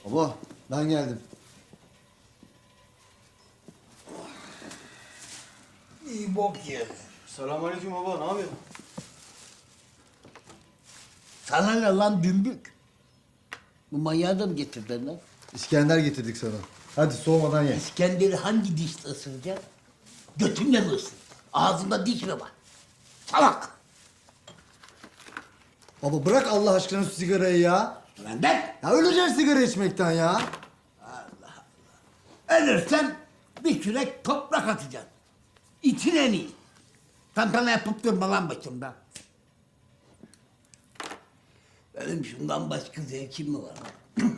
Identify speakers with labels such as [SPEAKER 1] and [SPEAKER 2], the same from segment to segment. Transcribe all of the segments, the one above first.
[SPEAKER 1] Baba ben geldim.
[SPEAKER 2] İyi bok yedi.
[SPEAKER 1] Selamünaleyküm baba, ne yapıyorsun?
[SPEAKER 2] Sana ne lan dümbük? Bu manyağı da mı getirdin lan?
[SPEAKER 1] İskender getirdik sana. Hadi soğumadan ye.
[SPEAKER 2] İskender'i hangi dişle ısıracaksın? Götünle mi ısır? Ağzında diş mi var? Salak!
[SPEAKER 1] Baba bırak Allah aşkına şu sigarayı ya.
[SPEAKER 2] Benden
[SPEAKER 1] Ya öleceksin sigara içmekten ya.
[SPEAKER 2] ölürsen bir kürek toprak atacaksın. İçin en iyi. Tantana yapıp durma lan başımda. Benim şundan başka zevkim mi var lan?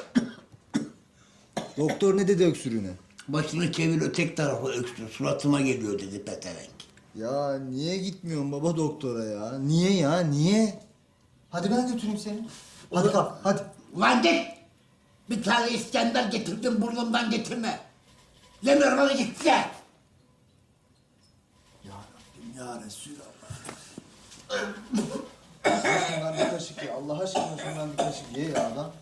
[SPEAKER 1] Doktor ne dedi öksürüğüne?
[SPEAKER 2] Başını çevir ötek tarafa öksür. Suratıma geliyor dedi peterenk.
[SPEAKER 1] Ya niye gitmiyorsun baba doktora ya? Niye ya, niye? Hadi ben götüreyim seni. Hadi kalk, hadi.
[SPEAKER 2] Ulan git! Bir tane İskender getirdim burnumdan getirme. Demiyorum hadi git de.
[SPEAKER 1] Ya Rabbim ya Resulallah. Şundan bir kaşık ye. Allah aşkına şundan bir kaşık ye ya adam.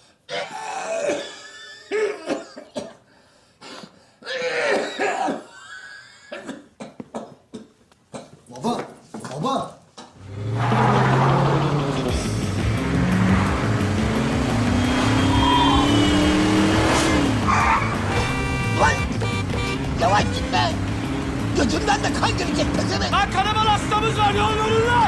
[SPEAKER 1] Baba, baba.
[SPEAKER 2] Lan! Yavaş gitme! Götümden de kan girecek pezevenk.
[SPEAKER 3] Lan kanamalı hastamız var, yol verin lan!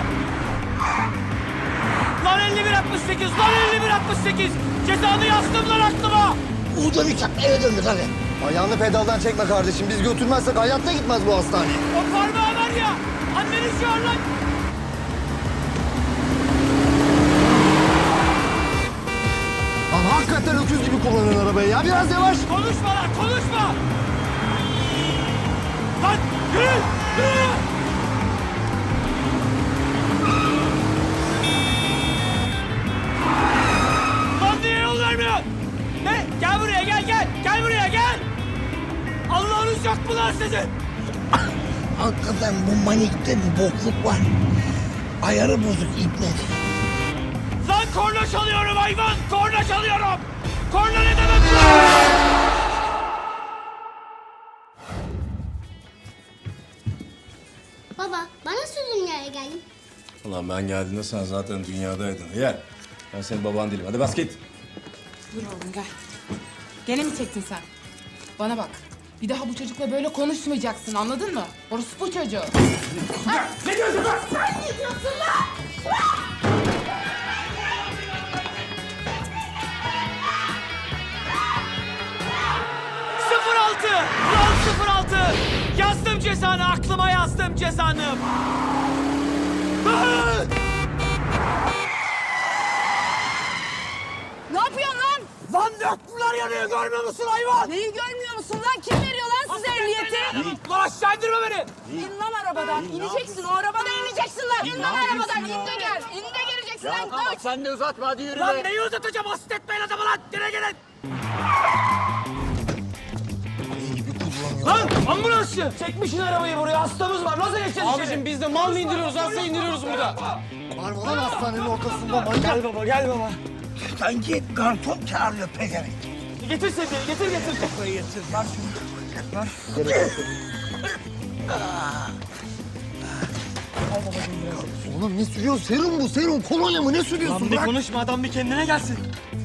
[SPEAKER 3] Lan 5168, lan 5168! Cezanı yazdım lan aklıma!
[SPEAKER 2] Uğurdan uçak eve döndü hadi.
[SPEAKER 1] Ayağını pedaldan çekme kardeşim. Biz götürmezsek hayatta gitmez bu hastane.
[SPEAKER 3] O parmağı var ya, anneni çağır lan!
[SPEAKER 1] Lan hakikaten öküz gibi kullanın arabayı ya. Biraz yavaş.
[SPEAKER 3] Konuşma lan, konuşma! Lan yürü, yürü! Lan niye yol vermiyorsun? Ne? Gel buraya, gel! Gel buraya, gel! Allah'ınız yok mu lan sizin?
[SPEAKER 2] Hakikaten bu manikte bir bokluk var. Ayarı bozuk ibne.
[SPEAKER 3] Lan korna çalıyorum hayvan! Korna çalıyorum! Korna ne demek lan?
[SPEAKER 4] Baba, bana nasıl dünyaya geldin?
[SPEAKER 5] Ulan ben geldiğinde sen zaten dünyadaydın. Yer. Ben senin baban değilim. Hadi bas git.
[SPEAKER 6] Dur oğlum gel. Gene mi çektin sen? Bana bak. Bir daha bu çocukla böyle konuşmayacaksın anladın mı? Orası bu çocuğu.
[SPEAKER 3] Ne diyorsun lan?
[SPEAKER 6] Sen ne diyorsun lan?
[SPEAKER 3] Sıfır altı! Lan 06! Yazdım cezanı, aklıma yazdım cezanı! Ah!
[SPEAKER 6] Ne yapıyorsun lan?
[SPEAKER 3] Lan döktüler yanıyor, görmüyor musun hayvan?
[SPEAKER 6] Neyi görmüyor musun lan? Kim veriyor lan size ehliyeti?
[SPEAKER 3] Lan aşağı indirme beni!
[SPEAKER 6] İn lan arabadan. İneceksin. O arabadan ineceksin lan. İn lan arabadan. İn de gel. İn de geleceksin lan. Koş.
[SPEAKER 3] Sen de uzatma, hadi yürü. Lan neyi uzatacağım? Asit etmeyin adamı lan! Gire gelin! Lan ambulansçı! Çekmişsin arabayı buraya, hastamız var. Nasıl geçeceğiz Abicim biz de mal mı indiriyoruz, hasta indiriyoruz burada.
[SPEAKER 1] Var mı lan hastanenin ortasında manyak?
[SPEAKER 3] Gel baba, gel baba.
[SPEAKER 2] Sanki garson çağırıyor pezevenk.
[SPEAKER 3] Getir sedyeyi, getir.
[SPEAKER 2] Kafayı getir. Ver şunu.
[SPEAKER 1] Oğlum ne sürüyorsun? Serum bu, serum. Kolonya mı? Ne sürüyorsun?
[SPEAKER 3] Lan bir
[SPEAKER 1] Bırak.
[SPEAKER 3] konuşma, adam bir kendine gelsin.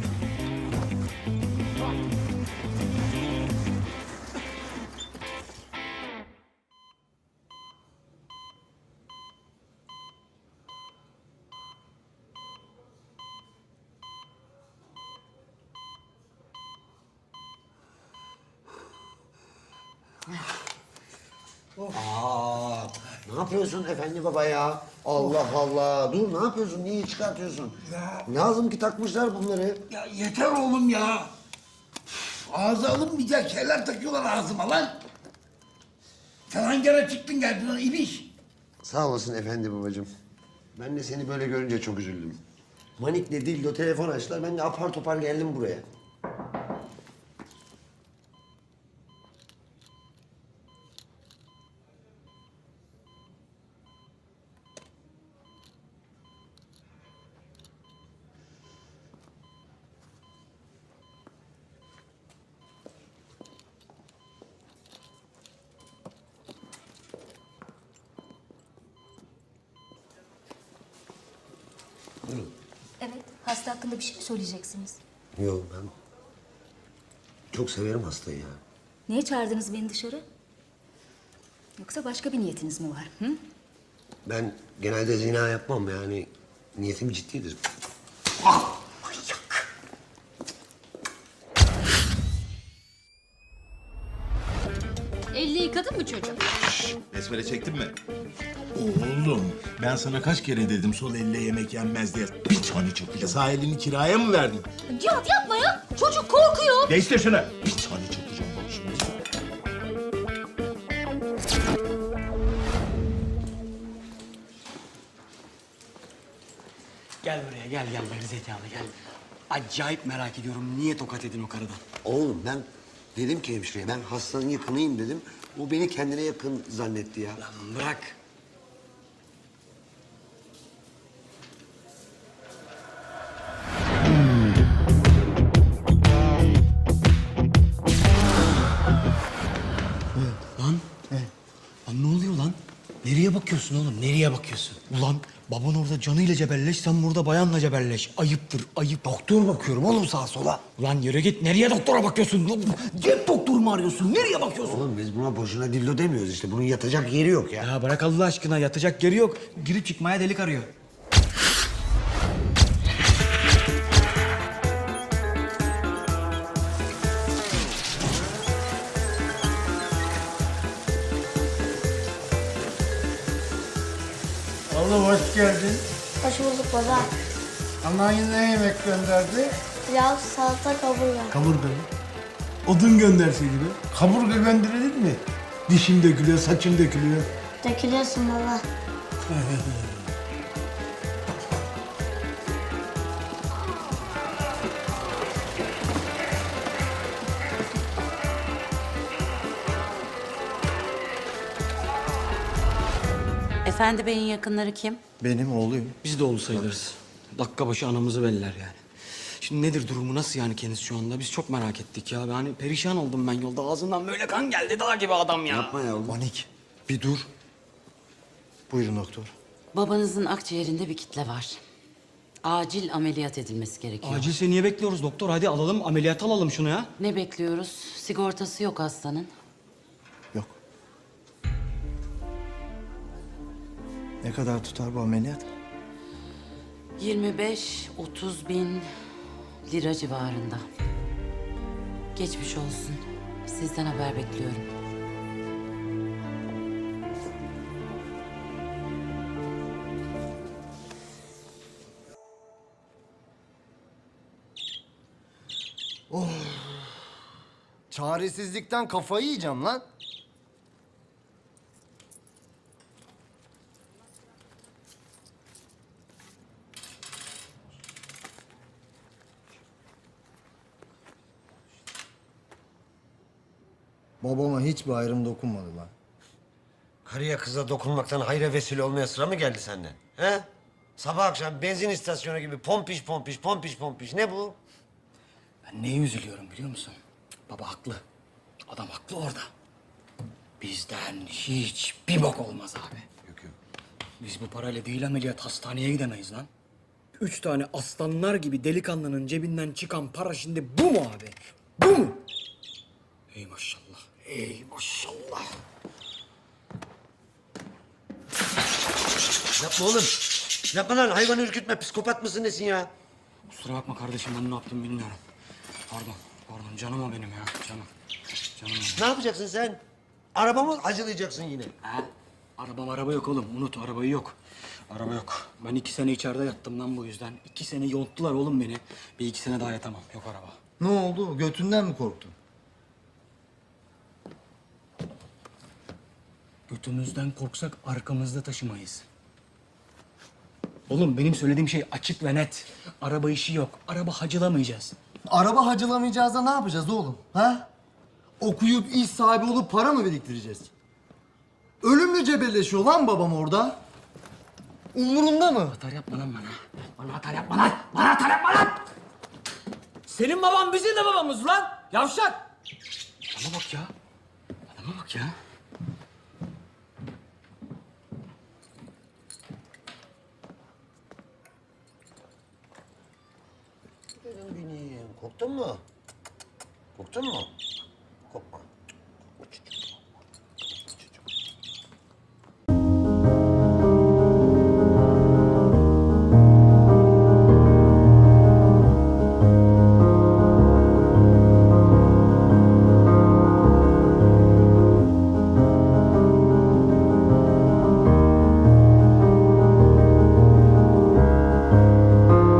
[SPEAKER 7] Ne yapıyorsun efendi baba ya? Allah Allah. Dur ne yapıyorsun? Niye çıkartıyorsun? Lazım ki takmışlar bunları.
[SPEAKER 2] Ya yeter oğlum ya. Ağza alınmayacak şeyler takıyorlar ağzıma lan. Sen hangi ara çıktın geldin lan ibiş?
[SPEAKER 7] Sağ olasın efendi babacığım. Ben de seni böyle görünce çok üzüldüm. Manik'le Dildo telefon açtılar. Ben de apar topar geldim buraya.
[SPEAKER 8] Hasta hakkında bir şey mi söyleyeceksiniz?
[SPEAKER 7] Yok ben çok severim hastayı ya.
[SPEAKER 8] Niye çağırdınız beni dışarı? Yoksa başka bir niyetiniz mi var? Hı?
[SPEAKER 7] Ben genelde zina yapmam yani niyetim ciddidir.
[SPEAKER 9] Elini yıkadın mı çocuğum?
[SPEAKER 10] Besmele çektin mi? Oğlum ben sana kaç kere dedim sol elle yemek yenmez diye. Bir tane çakıcı. Sağ elini kiraya mı verdin?
[SPEAKER 8] Cihat yapma ya. Çocuk korkuyor.
[SPEAKER 10] Değiştir şunu. Bir tane çakacağım bak şimdi.
[SPEAKER 3] Gel buraya gel gerizekalı gel. Acayip merak ediyorum niye tokat edin o karıdan?
[SPEAKER 7] Oğlum ben dedim ki hemşireye ben hastanın yakınıyım dedim. O beni kendine yakın zannetti ya.
[SPEAKER 3] Lan bırak. Lan. Lan ne oluyor lan? Nereye bakıyorsun oğlum? Nereye bakıyorsun? Ulan baban orada canıyla cebelleş, sen burada bayanla cebelleş. Ayıptır, ayıp. Doktor bakıyorum oğlum sağa sola. Ulan yürü git. Nereye doktora bakıyorsun? Cep doktoru mu arıyorsun? Nereye bakıyorsun?
[SPEAKER 7] Oğlum biz buna boşuna dildo demiyoruz işte. Bunun yatacak yeri yok ya.
[SPEAKER 3] Ya bırak Allah aşkına yatacak yeri yok. Girip çıkmaya delik arıyor.
[SPEAKER 2] Oğlum hoş geldin.
[SPEAKER 4] Hoş bulduk baba.
[SPEAKER 2] Anan ne yemek gönderdi?
[SPEAKER 4] Pilav, salata, kaburga.
[SPEAKER 2] Kaburga mı? Odun gönderseydi be. Kaburga gönderilir mi? Dişim dökülüyor, saçım dökülüyor.
[SPEAKER 4] Dökülüyorsun baba.
[SPEAKER 9] Efendi Bey'in yakınları kim?
[SPEAKER 1] Benim oğluyum.
[SPEAKER 3] Biz de oğlu sayılırız. Dakika başı anamızı belliler yani. Şimdi nedir durumu, nasıl yani kendisi şu anda? Biz çok merak ettik ya. Yani perişan oldum ben yolda. Ağzından böyle kan geldi, dağ gibi adam ya.
[SPEAKER 7] Yapma ya oğlum.
[SPEAKER 1] Panik. Bir dur. Buyurun doktor.
[SPEAKER 9] Babanızın akciğerinde bir kitle var. Acil ameliyat edilmesi gerekiyor.
[SPEAKER 3] Acilse niye bekliyoruz doktor? Hadi alalım, ameliyat alalım şunu ya.
[SPEAKER 9] Ne bekliyoruz? Sigortası yok hastanın.
[SPEAKER 1] Yok. Ne kadar tutar bu ameliyat?
[SPEAKER 9] 25-30 bin lira civarında. Geçmiş olsun. Sizden haber bekliyorum.
[SPEAKER 1] Çaresizlikten kafayı yiyeceğim lan. Babama hiçbir ayrım dokunmadı lan.
[SPEAKER 7] Karıya kıza dokunmaktan hayra vesile olmaya sıra mı geldi senden? He? Sabah akşam benzin istasyonu gibi pompiş pompiş pompiş pompiş. Ne bu?
[SPEAKER 3] Ben neye üzülüyorum biliyor musun? Baba haklı. Adam haklı orada. Bizden hiçbir bok olmaz abi.
[SPEAKER 7] Yok yok.
[SPEAKER 3] Biz bu parayla değil ameliyat hastaneye gidemeyiz lan. 3 tane aslanlar gibi delikanlının cebinden çıkan para şimdi bu mu abi? Bu mu? Ey maşallah, ey maşallah.
[SPEAKER 7] Yapma oğlum. Yapma lan hayvanı ürkütme. Psikopat mısın nesin ya?
[SPEAKER 3] Kusura bakma kardeşim ben ne yaptım bilmiyorum. Pardon canım o benim ya, canım. Canım o.
[SPEAKER 7] Ne yapacaksın sen? Arabamı acılayacaksın yine.
[SPEAKER 3] Ha? Araba yok oğlum, unut arabayı yok. Araba yok. Ben 2 sene içeride yattım lan bu yüzden. 2 sene yonttular oğlum beni. Bir 2 sene daha yatamam, yok araba.
[SPEAKER 1] Ne oldu? Götünden mi korktun?
[SPEAKER 3] Götümüzden korksak arkamızda taşımayız. Oğlum benim söylediğim şey açık ve net. Araba işi yok. Araba hacılamayacağız.
[SPEAKER 1] Araba hacılamayacağız da ne yapacağız oğlum? Ha? Okuyup iş sahibi olup para mı biriktireceğiz? Ölümle cebelleşiyor lan babam orada. Umurunda mı?
[SPEAKER 3] Atar yapma lan bana. Bana atar yapma lan. Bana atar yapma lan. Senin baban bizim de babamız lan. Yavşak. Adama bak ya. Adama bak ya.
[SPEAKER 7] Korktun mu? Korktun mu?